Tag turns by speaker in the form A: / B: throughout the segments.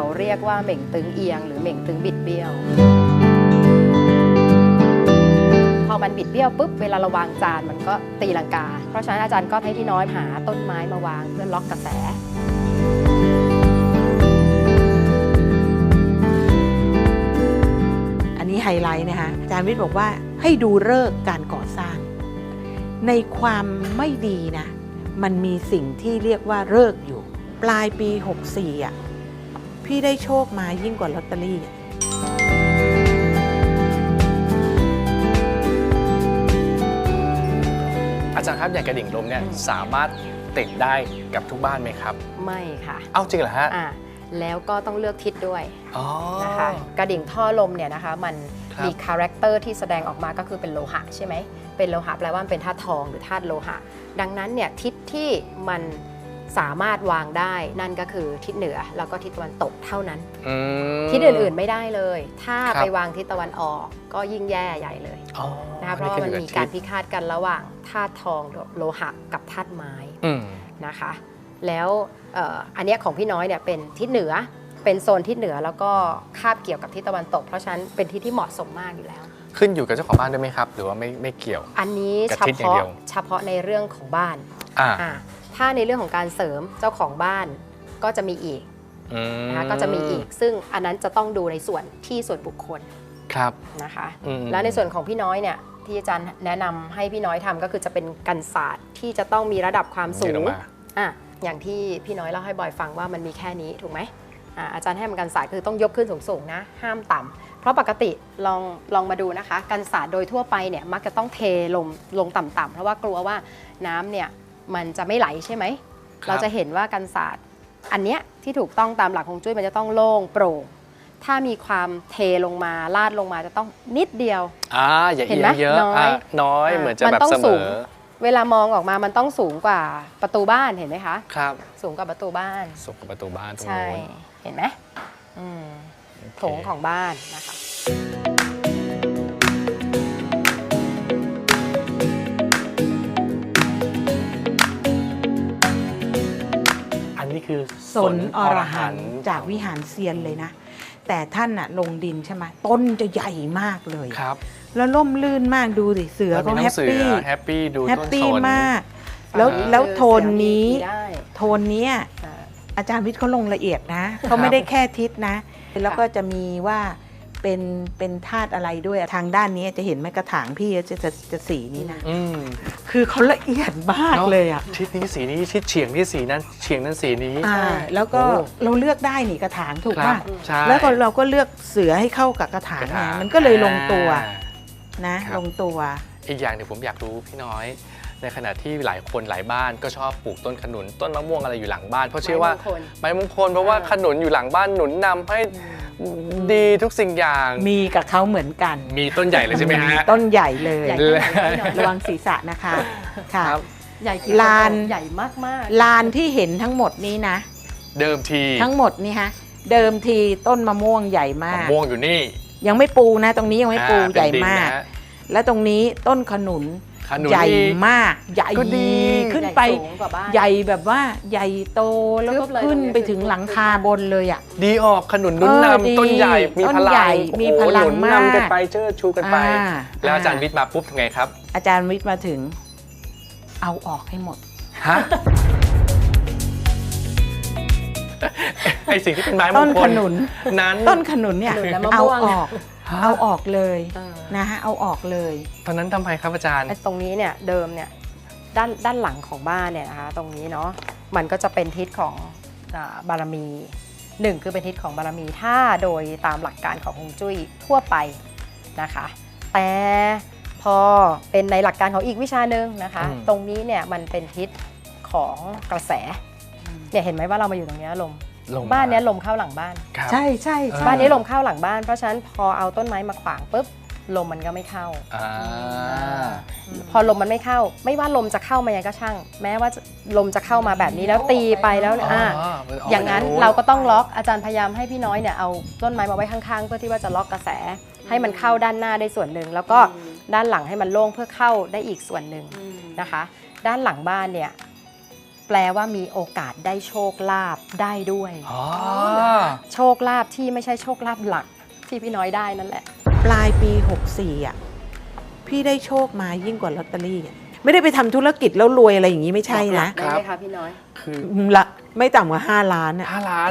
A: เรียกว่าเหม่งตึงเอียงหรือเหม่งตึงบิดเบี้ยวพอมันบิดเบี้ยวปุ๊บเวลาเราวางจานมันก็ตีลังกาเพราะฉะนั้นอาจารย์ก็ให้พี่น้อยหาต้นไม้มาวางเพื่อล็อกกระแส
B: อันนี้ไฮไลท์นะคะอาจารย์วิทย์บอกว่าให้ดูฤกษ์การก่อสร้างในความไม่ดีนะมันมีสิ่งที่เรียกว่าฤกษ์อยู่ปลายปี64อ่ะพี่ได้โชคมายิ่งกว่าลอตเตอรี่
C: อาจารย์ครับอย่างกระดิ่งลมเนี่ยสามารถติดได้กับทุกบ้านไหมครับ
A: ไม่ค่ะ
C: เอ้าจริงเหรอฮะ
A: แล้วก็ต้องเลือกทิศด้วย
C: อ๋อ
A: นะคะกระดิ่งท่อลมเนี่ยนะคะมันมีคาแรคเตอร์ที่แสดงออกมาก็คือเป็นโลหะใช่ไหมเป็นโลหะแปลว่าเป็นธาตุทองหรือธาตุโลหะดังนั้นเนี่ยทิศที่มันสามารถวางได้นั่นก็คือทิศเหนือแล้วก็ทิศตะวันตกเท่านั้นทิศอื่นๆไม่ได้เลยถ้าไปวางทิศตะวันออกก็ยิ่งแย่ใหญ่เลยนะคะเพราะมันมีการพิฆาตกันระหว่างธาตุทองโลหะกับธาตุไม้นะคะแล้วอันนี้ของพี่น้อยเนี่ยเป็นทิศเหนือเป็นโซนทิศเหนือแล้วก็คาบเกี่ยวกับทิศตะวันตกเพราะฉะนั้นเป็นทิศที่เหมาะสมมากอยู่แล้ว
C: ขึ้นอยู่กับเจ้าของบ้านด้วยไหมครับหรือว่าไม่เกี่ยว
A: อันนี้เฉพาะในเรื่องของบ้านถ้าในเรื่องของการเสริมเจ้าของบ้านก็จะมีอีกนะคะก็จะมีอีกซึ่งอันนั้นจะต้องดูในส่วนที่ส่วนบุคคล
C: ครับ
A: นะคะแล้วในส่วนของพี่น้อยเนี่ยที่อาจารย์แนะนำให้พี่น้อยทำก็คือจะเป็นกันศาสตร์ที่จะต้องมีระดับความสูงอย่างที่พี่น้อยเล่าให้บอยฟังว่ามันมีแค่นี้ถูกไหมอาจารย์ให้มันกันศาสตร์คือต้องยกขึ้นสูงๆนะห้ามต่ำเพราะปกติลองมาดูนะคะกันศาสตร์โดยทั่วไปเนี่ยมักจะต้องเทลงต่ำๆเพราะว่ากลัวว่าน้ำเนี่ยมันจะไม่ไหลใช่ไหมเราจะเห็นว่ากันศาสตร์อันเนี้ยที่ถูกต้องตามหลักฮวงจุ้ยมันจะต้องโล่งโปร่งถ้ามีความเทลงมาลาดลงมาจะต้องนิดเดียว
C: อย่าเอียงเยอะน้อยเหมือนจะแบบเสมอ
A: เวลามองออกมามันต้องสูงกว่าประตูบ้านเห็นไหมคะ
C: ครับ
A: สูงกว่าประตูบ้าน
C: สูงกว่าประตูบ้านตรง
A: นู้นใช่เห็นไหมโถงของบ้านนะคะ
C: อันนี้คือ
B: สนอรหันต์จากวิหารเซียนเลยนะแต่ท่านลงดินใช่ไหมต้นจะใหญ่มากเลย
C: ครับ
B: แล้วร่มลื่นมากดูสิเสือก็แฮปปี้
C: ดู
B: แฮปปี้มากแล้วโทนนี้อาจารย์วิทย์เขาลงละเอียดนะเขาไม่ได้แค่ทิศนะแล้วก็จะมีว่าเป็นธาตุอะไรด้วยทางด้านนี้จะเห็นไหมกระถางพี่จะสีนี้นะคือเขาละเอียดมากเลยอ่ะ
C: ทิศนี้สีนี้ทิศเฉียงที่สีนั้นเฉียงนั้นสีนี้
B: แล้วก็เราเลือกได้นี่กระถางถูกป่ะแล้วก็เราก็เลือกเสือให้เข้ากับกระถางไงมันก็เลยลงตัวนะลงตัว
C: อีกอย่างหนึ่งผมอยากรู้พี่น้อยในขณะที่หลายคนหลายบ้านก็ชอบปลูกต้นขนุนต้นมะม่วงอะไรอยู่หลังบ้านเพราะเชื่อว่าไม้มงคลเพราะว่าขนุนอยู่หลังบ้านหนุนนำให้ดีทุกสิ่งอย่าง
B: มีกับเขาเหมือนกัน
C: มีต้นใหญ่เลยใช่ไหมฮะ
B: ต้นใหญ่เลยระวังศีรษะนะคะค่ะ
A: ใหญ่
B: ลาน
A: ใหญ่มาก
B: ลานที่เห็นทั้งหมดนี้นะ
C: เดิมที
B: ทั้งหมดนี่ฮะเดิมทีต้นมะม่วงใหญ่มาก
C: มะม่วงอยู่นี่
B: ยังไม่ปูนะตรงนี้ยังไม่ปูใหญ่มากและตรงนี้ต้นขนุนใหญ่มากใหญ่ขึ้นไปใหญ่แบบว่าใหญ่โตแล้วก็ขึ้นไปถึงหลังคาบนเลยอ่ะ
C: ดีออกขนุนนุ่นนำต้นใหญ่มีพลังมากกันไปเชิดชูกันไปแล้วอาจารย์วิทย์มาปุ๊บทำไงครับ
B: อาจารย์วิทย์มาถึงเอาออกให้หมด
C: ฮะไอสิ่งที่เป็นไม้มงคลต้น
B: ขนุน
C: นั้น
B: ต้นขนุนเนี่ยเอาออกเลยนะฮะเอาออกเลย
C: ตอนนั้นทำไมครับอาจารย์
A: ตรงนี้เนี่ยเดิมเนี่ยด้านหลังของบ้านเนี่ยนะคะตรงนี้เนาะมันก็จะเป็นทิศของบารมี1คือเป็นทิศของบารมีถ้าโดยตามหลักการของฮวงจุ้ยทั่วไปนะคะแต่พอเป็นในหลักการของอีกวิชาหนึ่งนะคะตรงนี้เนี่ยมันเป็นทิศของกระแสเนี่ยเห็นไหมว่าเรามาอยู่ตรงนี้ลมบ้านนี้ลมเข้าหลังบ้าน
B: ใช่ใช่
A: บ้านนี้ลมเข้าหลังบ้านเพราะฉะนั้นพอเอาต้นไม้มาขวางปุ๊บลมมันก็ไม่เข้าพอลมมันไม่เข้าไม่ว่าลมจะเข้ามายังก็ช่างแม้ว่าลมจะเข้ามาแบบนี้แล้วตีไปแล้วอย่างนั้นเราก็ต้องล็อกอาจารย์พยายามให้พี่น้อยเนี่ยเอาต้นไม้มาไว้ข้างๆเพื่อที่ว่าจะล็อกกระแสให้มันเข้าด้านหน้าได้ส่วนหนึ่งแล้วก็ด้านหลังให้มันโล่งเพื่อเข้าได้อีกส่วนหนึ่งนะคะด้านหลังบ้านเนี่ยแปลว่ามีโอกาสได้โชคลาภได้ด้วย
C: อ๋อ
A: โชคลาภที่ไม่ใช่โชคลาภหลักที่พี่น้อยได้นั่นแหละ
B: ปลายปี 64อ่ะพี่ได้โชคมายิ่งกว่าลอตเตอรี่อะไม่ได้ไปทำธุรกิจแล้วรวยอะไรอย่างนี้ไม่ใช่นะ
A: ได้ไหมคะพี่น้อย
C: คือ
B: ละไม่ต่ำกว่า5 ล้านอ่ะ
C: 5 ล้าน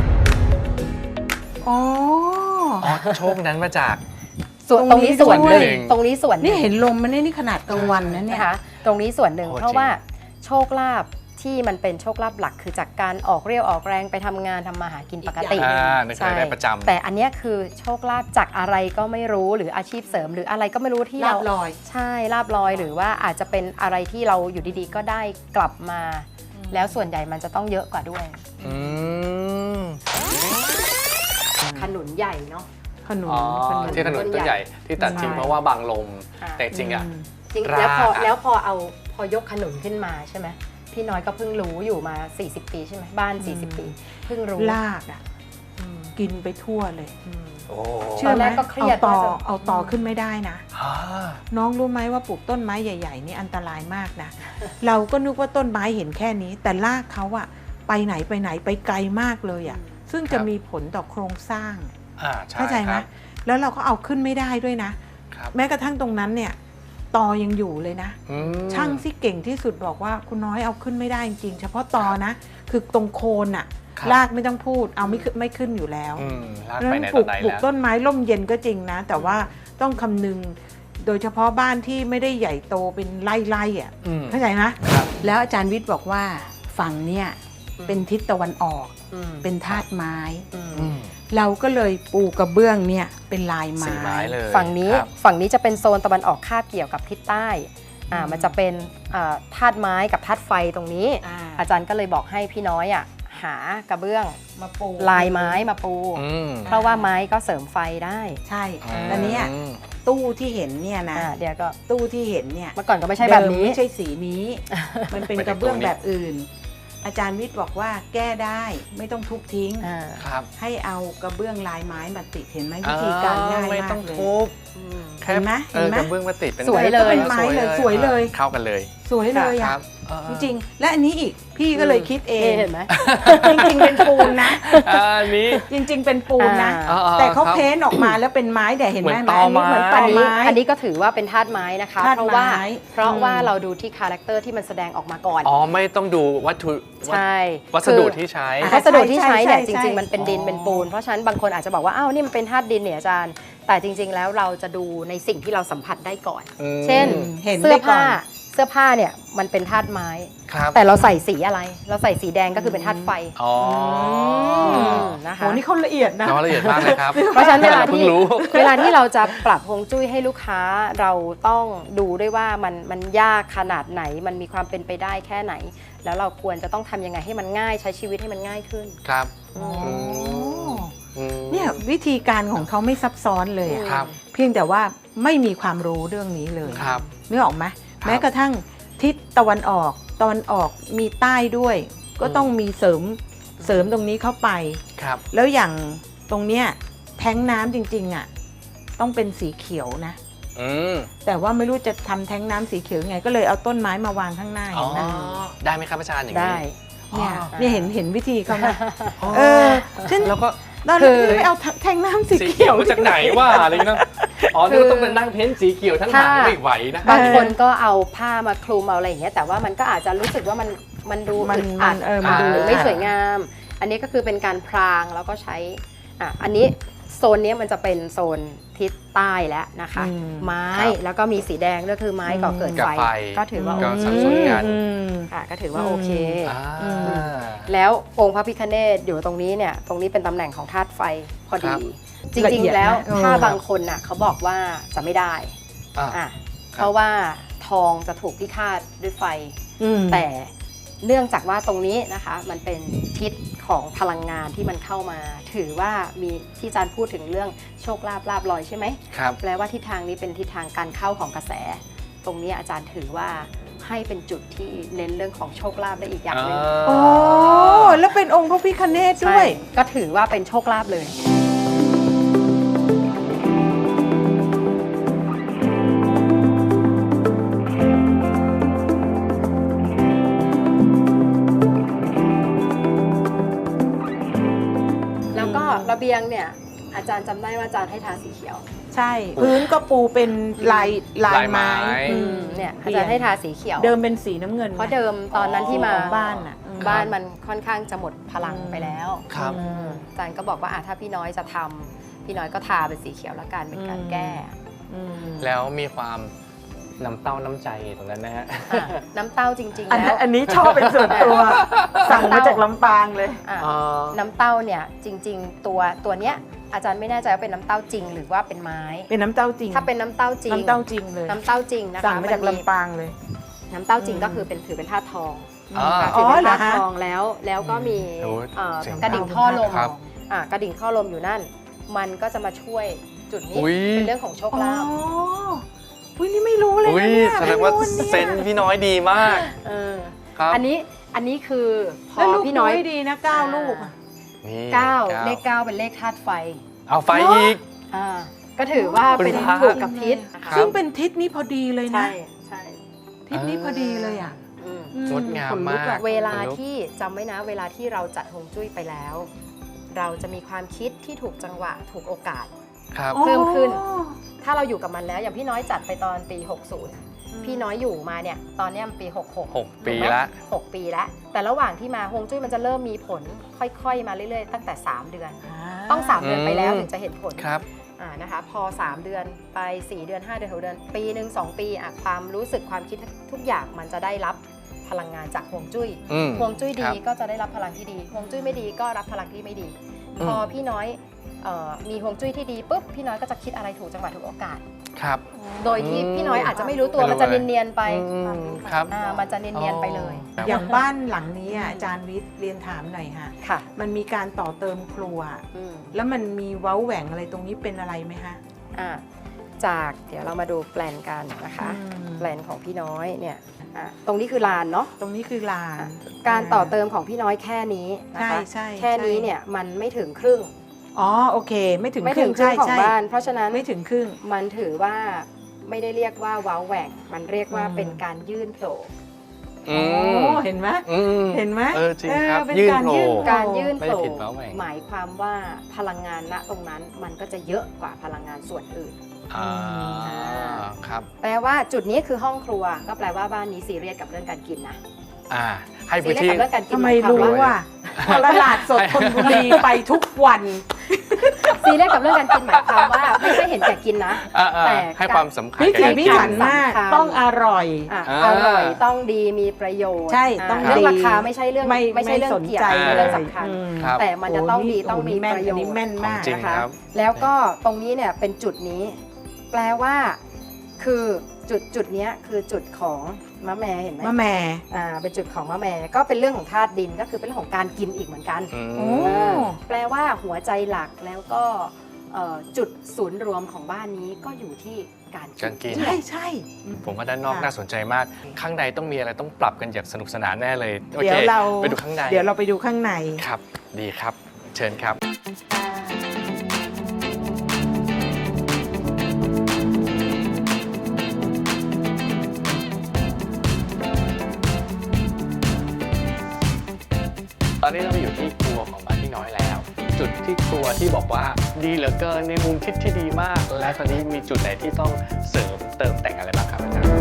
B: อ๋อ
C: อ๋อโชคนั้นมาจาก
A: ส่วนตรงนี้ส่วนหนึ่ง
C: ด้วย
A: ตรงนี้ส่วนห
B: นี่
A: นึ่ง
B: เห็นลมมันนี่ขนาดกลางวันนะเนี่ย
A: นะคะตรงนี้ส่วนหนึ่ง
C: โอ้
A: เพราะ
C: จริง
A: ว่าโชคลาภที่มันเป็นโชคลาภหลักคือจากการออกเรี่ยวออกแรงไปทำงานทำมาหากินปกติ
C: ในเคยได้ประจำ
A: แต่อันเนี้ยคือโชคลาภจากอะไรก็ไม่รู้หรืออาชีพเสริม หรืออะไรก็ไม่รู้ที่
B: ลา
A: เรา
B: บลอย
A: ใช่ลาบลอยหรือว่าอาจจะเป็นอะไรที่เราอยู่ดีๆ ก็ได้กลับมา แล้วส่วนใหญ่มันจะต้องเยอะกว่าด้วย
C: อืม
A: ขนุนใหญ่เนาะ
B: ขนุน
C: อ๋อ
B: ขนุน
C: ที่ถนนต้นใหญ่ที่ตัดทิ้ง
A: ใช่
C: เพราะว่าบางลม
A: ค่ะ
C: แต่จริงอ่ะ
A: จริง
C: ราก
A: แล้วพอยกขนุนขึ้นมาใช่ไหมพี่น้อยก็เพิ่งรู้อยู่มา40 ปีใช่ไหมบ้าน 40 ปีเพิ่งรู้
B: ลากอ่ะกินไปทั่วเลย
C: โอ้
B: เชื่อไหม
A: ตอนแรกก็เครียด
B: เอาต่อ
A: ว่าจะ
B: เอาต่อขึ้นไม่ได้นะ
C: อ่า
B: น้องรู้ไหมว่าปลูกต้นไม้ใหญ่ๆนี่อันตรายมากนะ เราก็นึกว่าต้นไม้เห็นแค่นี้ แต่รากเขาอะไปไหนไปไกลมากเลยอะซึ่งจะมีผลต่อโครงสร้าง
C: ใช่
B: เข้าใจไหม
C: ครับ
B: แล้วเราก็เอาขึ้นไม่ได้ด้วยนะ
C: ครับ
B: แม้กระทั่งตรงนั้นเนี่ยตอยังอยู่เลยนะ
C: อืม
B: ช่างที่เก่งที่สุดบอกว่าคุณน้อยเอาขึ้นไม่ได้จริงๆเฉพาะตอนะ คือตรงโคนอะ
C: ครับ
B: รากไม่ต้องพูดเอาไม่ขึ้นอยู่แล้ว
C: ลาก
B: เพราะ
C: ไป
B: ฉะ
C: ไหน
B: นั้น
C: ต่อไหน
B: ปลูก
C: แล้ว
B: ต้นไม้ร่มเย็นก็จริงนะ แต่ว่าต้องคำนึงโดยเฉพาะบ้านที่ไม่ได้ใหญ่โตเป็นไร่ๆอ่ะ
C: อืม
B: เข้าใจไหม
C: ครับ
B: แล้วอาจารย์วิทย์บอกว่าฝั่งเนี่ยเป็นทิศตะวันออก เป็นธาตุไม้
C: อืม
B: เราก็เลยปูกระเบื้องเนี่ยเป็นลายไม้
C: สีไม้เลย
A: ฝั่งนี้
C: ครับ
A: ฝั่งนี้จะเป็นโซนตะวันออกคาบเกี่ยวกับทิศใต้มันจะเป็นธาตุไม้กับธาตุไฟตรงนี้ อาจารย์ก็เลยบอกให้พี่น้อยหากระเบื้อง
B: มาปู
A: ลายไม้มาปู
C: อืม
A: เพราะว่าไม้ก็เสริมไฟได้
B: ใช่
C: อืม
B: แล้วเนี่ยตู้ที่เห็นเนี่ยนะ
A: เดี๋ยวก็
B: ตู้ที่เห็นเนี่ย
A: เมื่อก่อนก็ไม่ใช่แบบนี้
B: เดิมไม่ใช่สีนี้ มันเป็นกระเบื้องแบบอื่น อาจารย์วิทย์บอกว่าแก้ได้ไม่ต้องทุบทิ้ง
C: ครับ
B: ให้เอากระเบื้องลายไม้มาติดเห็นไหมวิธีการง่าย
C: ไม่
B: มา
C: ต้อง
B: กเลย
C: ทุบ
B: เห็นไหม
C: กระเบื้องมาติดเป็น
A: สวยเลย
B: เป็นไม้เลยสวยเลย
C: เข้ากันเลย
B: สวยเลย
C: ค
B: อ่ะ
C: รับ
B: จริงๆและอันนี้อีกพี่ก็เลยคิดเอง
A: เห็นไหม
B: จริงๆเป็นปูนนะ
C: อันนี้
B: จริง ๆ เป็นปูนนะ
A: อ่า
B: แต่เขา
C: ครับ
B: เพ้นท์ออกมาแล้วเป็นไม้แต่เห็นไหม
C: เหมือนตอไม้
B: เหมือนตอ
A: อันนี้
B: ไม้
A: อันนี้ก็ถือว่าเป็นธาตุไม้นะคะ
B: ธาตุ
A: เพราะว่า
B: ไม้
A: เพราะว่าเราดูที่คาแรคเตอร์ที่มันแสดงออกมาก่อน
C: อ๋อไม่ต้องดูวัตถุ
A: ใช่
C: วัสดุที่ใช้
A: คือวัสดุที่ใช้เนี่ย
B: ใช่
A: จ
B: ใช่
A: ริง ๆ มันเป็นดิน
B: อ๋อ
A: เป็นปูน เพราะฉะนั้นบางคนอาจจะบอกว่าอ้าวนี่มันเป็นธาตุดินเนี่ยอาจารย์ แต่จริง ๆ แล้วเราจะดูในสิ่งที่เราสัมผัสได้ก่อน
C: อืม
A: เช่น
B: เห็น
A: เสื้
B: ได้
A: อ
B: ก่อ
A: ผ้าน เสื้อผ้าเนี่ยมันเป็นธาตุไม้
C: ครับ
A: แต่เราใส่สีอะไร เราใส่สีแดงก็คือเป็นธาตุไฟ
C: อ๋อ
A: นะคะ
B: โหนี่เขาละเอียดนะ
C: น้องละเอียดมากเลยครับ
A: เพราะฉะนั้นเวลา
C: เพิ่
A: ที่
C: งรู้
A: เวลาที่เราจะปรับฮวงจุ้ยให้ลูกค้าเราต้องดูด้วยว่ามันยากขนาดไหนมันมีความเป็นไปได้แค่ไหน แล้วเราควรจะต้องทำยังไงให้มันง่ายใช้ชีวิตให้มันง่ายขึ้น
C: ครับ
A: อืม
C: อืม
B: เนี่ยวิธีการของเขาไม่ซับซ้อนเลยอะ
C: ครับ
B: เพียงแต่ว่าไม่มีความรู้เรื่องนี้เลย
C: ครับ
B: นึกออกไหม
C: ครับ
B: แม้กระทั่งทิศตะวันออกมีใต้ด้วย ก็ต้องมีเสริมตรงนี้เข้าไป
C: ครับ
B: แล้วอย่างตรงเนี้ยแท้งน้ำจริงๆอ่ะต้องเป็นสีเขียวนะ
C: อืม
B: แต่ว่าไม่รู้จะทำแท้งน้ำสีเขียวยังไง ก็เลยเอาต้นไม้มาวางข้างหน้า
C: อ๋
B: เห็
C: อน
B: ไหม
C: ได้ไหมครับอาจารย์อย่างนี้
A: ได้
B: เนี่ย
C: อ๋อ
B: เนี่ยเห็นวิธีเขาไหม
C: อ๋อ
B: เออฉัน
C: แล้วก็
B: ตอน
A: คื
B: นี้
A: อ
B: ไม่เอาแท้งน้ำสี
C: สี
B: เขี
C: เขี
B: ย
C: ยว วมาจากไหนวะอะไรเงี้ยอ๋อนี่ต้องเป็นนั่งเพ้นท์สีเขียวทั้งหางไม่ไหวนะ
A: บางคนก็เอาผ้ามาคลุมเอาอะไรอย่างเงี้ยแต่ว่ามันก็อาจจะรู้สึกว่ามันดู
B: มัน
A: อึดอัด
B: มันดู
A: หรือไม่สวยงาม อันนี้ก็คือเป็นการพรางแล้วก็ใช้อันนี้โซนนี้มันจะเป็นโซนทิศใต้แล้วนะคะ ไม้
C: ครับ
A: แล้วก็มีสีแดงก็คือไม้ก่อเกิด
C: กับ
A: ไฟ
C: ไฟ
A: ก็ถือว่า
C: ก็
A: โอเค
C: สัดส่วนกัน
B: อืม
A: ค่ะก็ถือว่าโอเค
C: อ่า
A: แล้วองค์พระพิฆเนศอยู่ตรงนี้เนี่ยตรงนี้เป็นตำแหน่งของธาตุไฟพอ
C: ครั
A: ดี
C: บ
A: จ
B: ละ
A: ริง
B: เอียด
A: ๆแล้ว
B: นะ
A: ถ้า
B: เออ
A: บางคนน่ะเขาบอกว่าจะไม่ได้
C: อ่า
A: อ่ะเพราะว่าทองจะถูกพิฆาตด้วยไฟ
B: อืม
A: แต่เนื่องจากว่าตรงนี้นะคะมันเป็นทิศของพลังงานที่มันเข้ามา ถือว่ามีที่อาจารย์พูดถึงเรื่องโชคลาภลาภลอยใช่ไหม
C: ครับ
A: แปลว่าทิศทางนี้เป็นทิศทางการเข้าของกระแส ตรงนี้อาจารย์ถือว่าให้เป็นจุดที่เน้นเรื่องของโชคลาภได้อีกอย่างหนึ่ง
B: โอ้แล้วเป็นองค์พระพิฆเนศด้
A: ใช่
B: วย
A: ก็ถือว่าเป็นโชคลาภเลยเบียงเนี่ยอาจารย์จำได้ว่าอาจารย์ให้ทาสีเขียว
B: ใช่ พื้นก็ปูเป็นลายไม้
A: เนี่ยอาจารย์ให้ทาสีเขียว
B: เดิมเป็นสีน้ำเงิน
A: เพราะเดิมตอนนั้นที่มา
B: ของบ้านน่ะ
A: บ้านมันค่อนข้างจะหมดพลังไปแล้ว
C: ครับ
A: อาจารย์ก็บอกว่าถ้าพี่น้อยจะทำพี่น้อยก็ทาเป็นสีเขียวแล้วกันเป็นการแก้
C: แล้วมีความน้ำเต้าน้ำใจตรงนั้นนะฮะ
A: น้ำเต้าจริงๆ
B: อัน
A: แล้ว
B: อันนี้ชอบเป็นส่วนตัว สั่งมาจากลำปางเลย
A: อ่ะน้ำเต้าเนี่ยจริงๆตัวเนี้ยอาจารย์ไม่แน่ใจว่าเป็นน้ำเต้าจริงหรือว่าเป็นไม้
B: เป็นน้ำเต้าจริง
A: ถ้าเป็นน้ำเต้าจริง
B: น้ำเต้าจริงเลย
A: น้ำเต้าจริงนะคะ
B: สั่งมาจากลำปางเลย
A: น้ำเต้าจริงก็คือถือเป็นธาตุทอง
C: อ๋อ
A: ถือเป็น
B: เหรอ
A: ธาตุ
B: ฮะ
A: ทองแล้วก็มี
C: โอ้เจ๋ง
A: กระดิ่งท่อลม
C: ครับ
A: กระดิ่งท่อลมอยู่นั่น มันก็จะมาช่วยจุดนี้
C: อุ๊ย
A: เป็นเรื่องของโชค
B: อ๋อ
A: ลาภ
B: อุ้ยนี่ไม่รู้เลย
C: อุ้
B: นะ
C: ย
B: เนี่ย
C: แสดงว่า
B: ไม่รู้เนี่ย
C: เซนส์พี่น้อยดีมาก
A: เออ
C: ครับ
A: อันนี้คือพ
B: แล้ว
A: อ
B: ลูก
A: พี่น้อย
B: ดีนะ9 ลูกอะ
C: นี่
A: เลข 9 เป็นเลขธาตุไฟ
C: เอาไฟอีก
A: อ่าก็ถือว่าเป็น
C: คุณพระ
A: ถูกกับทิศนะ
C: ครั
A: คะ
C: บ
B: ซึ่งเป็นทิศนี้พอดีเลยนะ
A: ใช่ใช่
B: ทิศนี้พอดีเลยอ่ะ
A: อืม
C: งดงาม
B: ขนลุอะ
C: มาก
A: เวลาที่จำไว้นะเวลาที่เราจัดฮวงจุ้ยไปแล้ว เราจะมีความคิดที่ถูกจังหวะถูกโอกาส
C: ครับ
A: เพิ่มขึ้น ถ้าเราอยู่กับมันแล้วอย่างพี่น้อยจัดไปตอนปี 60 พี่น้อยอยู่มาเนี่ยตอนเนี้ยมันปี 66
C: 6 ปี
A: ถูกไหม
C: ละ
A: 6 ปีแล้วแต่ระหว่างที่มาฮวงจุ้ยมันจะเริ่มมีผลค่อยๆ มาเรื่อยๆ ตั้งแต่ 3 เดือน ต้อง 3 เดือนไปแล้วถึงจะเห็นผล
C: ครับ
A: นะคะพอ 3 เดือนไป 4 เดือน 5 เดือน 6 เดือน ปีหนึ่ง2 ปีความรู้สึกความคิดทุกอย่างมันจะได้รับพลังงานจากฮวงจุ้ย
C: อืม
A: ฮวงจุ้ยดี
C: ครับ
A: ก็จะได้รับพลังที่ดีฮวงจุ้ยไม่ดีก็รับพลังที่ไม่ดี พอพี่น้อยมีฮวงจุ้ยที่ดีปุ๊บพี่น้อยก็จะคิดอะไรถูกจังหวะถูกโอกาส
C: ครับ
A: โดยที่พี่น้อยอาจจะไม่รู้ตัว
C: ไม่รู้
A: มันจะ
C: อะไร
A: เนียนๆไป
C: ครับ
A: มันจะเนียนๆไปเลย
C: ครับ
B: อย่างบ้านหลังนี้อ่ะอาจารย์วิทย์เรียนถามหน่อยค่ะ
A: ค่ะ
B: มันมีการต่อเติมครัว
A: อืม
B: แล้วมันมีเว้าแหว่งอะไรตรงนี้เป็นอะไรไหมคะ
A: จากเดี๋ยวเรามาดูแปลนกันนะคะ
B: อืม
A: แปลนของพี่น้อยเนี่ยตรงนี้คือลานเนาะ
B: ตรงนี้คือลาน
A: การต่อเติมของพี่น้อยแค่นี้นะคะ
B: ใช่
A: แค่นี้เนี่ยมันไม่ถึงครึ่ง
B: อ๋อโอเค ไม่ถึง
A: ไม่
B: ค
A: ถึ
B: รึ่
A: ง
B: ง
A: ครึ่งของ
B: ใช่
A: บ้าน เพราะฉะนั้น
B: ไม่ถึงครึ่ง
A: มันถือว่าไม่ได้เรียกว่าว้าวแหว่งมันเรียกว่าเป็นการยื่นโผล่
C: อื
B: โอ้
C: ม
B: เห็นไหม
C: อืม
B: เห็นไหม
C: จริงครับ
B: เป็น
C: ยื่น
B: การ
C: โผล่
B: ยื่น
A: การยื่น
C: ไม่
A: โผ
C: ได้
A: ล่
C: ผิดว้าวแหว่ง
A: หมายความว่าพลังงานณตรงนั้นมันก็จะเยอะกว่าพลังงานส่วนอื่น
C: อ่าครับ
A: แปลว่าจุดนี้คือห้องครัว ก็แปลว่าบ้านนี้ซีเรียสกับเรื่องการกินนะ
C: ให้
A: ซี
C: พื้น
A: เรียส
C: ที่
A: กับเรื่องการกิน
B: ทำไม
A: หายควา
B: รู้
A: ว่า
B: ว่าตลาดสดธนบุรีไปทุกวัน
A: ซีเรียสกับเรื่องการกินหมายความว่าไม่ใช่เห็นแก่กินนะ แต่
C: ให้ความสำคัญ
B: พิ
C: กับ
B: ถี
C: การ
B: พิ
C: กิน
B: ถันมาก
A: สำคัญ
B: ต้องอร่อย
A: อร่อยต้องดีมีประโยชน์
B: ใช่ต้อง
A: เรื่อง
B: ดี
A: ราคาไม่ใช่เรื่องไม่ใช่เรื่อง
B: สน
A: เกี่ยว
B: ใจ
A: ไม่ใช่เรื่องสำคัญ
C: ครับ
A: แต่มันจะต้องดี
B: โ
A: ต้องมี
B: แม่น
A: ประโย
B: อัน
A: ช
B: นี้
A: น์
B: แม่นมาก
C: จริง
A: นะคะ
C: ครับ
A: แล้วก็ตรงนี้เนี่ยเป็นจุดนี้ แปลว่าคือจุดเนี้ยคือจุดของมะแม่เห็นไหม
B: มะแม่
A: เป็นจุดของมะแม่ก็เป็นเรื่องของธาตุดินก็คือเป็นเรื่องของการกินอีกเหมือนกัน
C: อืม
B: โอ้
A: แปลว่าหัวใจหลักแล้วก็จุดศูนย์รวมของบ้านนี้ก็อยู่ที่การ
C: การกิน
B: ใช่ใช่
C: ผมว่าด้านนอก
A: ค่ะ
C: น่าสนใจมาก ข้างในต้องมีอะไรต้องปรับกันอย่างสนุกสนานแน่เลยโอ
B: เดี๋
C: เค
B: ยวเรา
C: ไปดูข้างใน
B: เดี๋ยวเราไปดูข้างใน
C: ครับ ดีครับ เชิญครับ ตอนนี้เราอยู่ที่ครัวของบ้านพี่น้อยแล้ว จุดที่ครัวที่บอกว่าดีเหลือเกินในมุมทิศที่ดีมาก และตอนนี้มีจุดไหนที่ต้องเสริมเติมแต่งอะไรบ้างครับอาจารย์